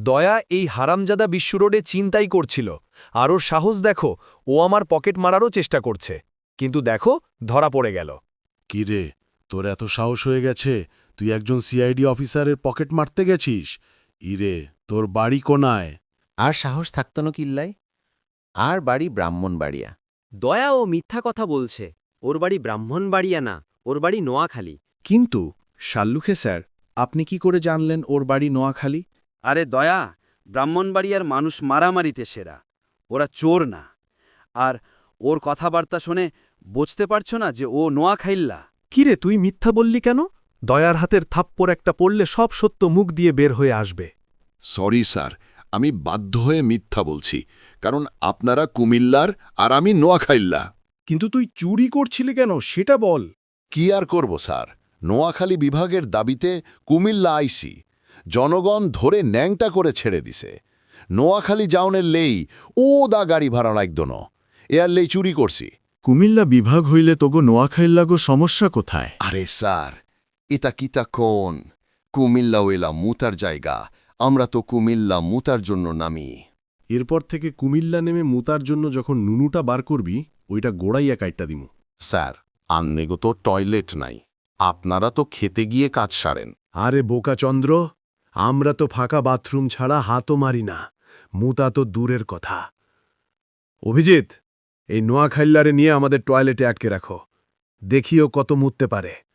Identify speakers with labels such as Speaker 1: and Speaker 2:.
Speaker 1: দয়া এই হারামজাদা বিশ্ব রোডে চিন্তাই করছিল, আর ওর সাহস দেখো, ও আমার পকেট মারারও চেষ্টা করছে, কিন্তু দেখো ধরা পড়ে গেল।
Speaker 2: কি রে, তোর এত সাহস হয়ে গেছে, তুই একজন সিআইডি অফিসারের পকেট মারতে গেছিস? ইরে, তোর বাড়ি কোনায়?
Speaker 3: আর সাহস থাকত না কিল্লাই, আর বাড়ি ব্রাহ্মণবাড়িয়া।
Speaker 4: দয়া ও মিথ্যা কথা বলছে, ওর বাড়ি ব্রাহ্মণবাড়িয়া না, ওর বাড়ি নোয়াখালী।
Speaker 5: কিন্তু শাল্লুখে স্যার, আপনি কি করে জানলেন ওর বাড়ি নোয়াখালী?
Speaker 6: আরে দয়া, ব্রাহ্মণবাড়িয়ার মানুষ মারামারিতে সেরা, ওরা চোর না। আর ওর কথাবার্তা শুনে বুঝতে পারছো না যে ও নোয়াখাইল্লা?
Speaker 7: কিরে, তুই মিথ্যা বললি কেন? দয়ার হাতের থাপ্পড় একটা পড়লে সব সত্য মুখ দিয়ে বের হয়ে আসবে।
Speaker 8: সরি স্যার, আমি বাধ্য হয়ে মিথ্যা বলছি, কারণ আপনারা কুমিল্লার আর আমি নোয়াখাইল্লা।
Speaker 2: কিন্তু তুই চুরি করছিলি কেন সেটা বল।
Speaker 8: কি আর করব স্যার, নোয়াখালী বিভাগের দাবিতে কুমিল্লা আইসি, জনগণ ধরে ন্যাংটা করে ছেড়ে দিছে। নোয়াখালী যাওনের লেই ও দা গাড়ি ভাড়া লাগতো ন, এর লেই চুরি করছি।
Speaker 5: কুমিল্লা বিভাগ হইলে তোগো নোয়াখাইল্লাগো সমস্যা কোথায়?
Speaker 9: আরে স্যার, এটা কিতা কোন? কুমিল্লা ওইলা মুতার জায়গা, আমরা তো কুমিল্লা মুতার জন্য নামি।
Speaker 2: এরপর থেকে কুমিল্লা নেমে মুতার জন্য যখন নুনুটা বার করবি, ওইটা গোড়াইয়া কাইটটা দিমু।
Speaker 10: স্যার, আন্নেগো তো টয়লেট নাই, আপনারা তো খেতে গিয়ে কাজ সারেন।
Speaker 7: আরে বোকাচন্দ্র, আমরা তো ফাঁকা বাথরুম ছাড়া হাতও মারি না, মুতা তো দূরের কথা। অভিজিৎ, এই নোয়াখাইল্লারে নিয়ে আমাদের টয়লেটে আটকে রাখো, দেখিও কত মুততে পারে।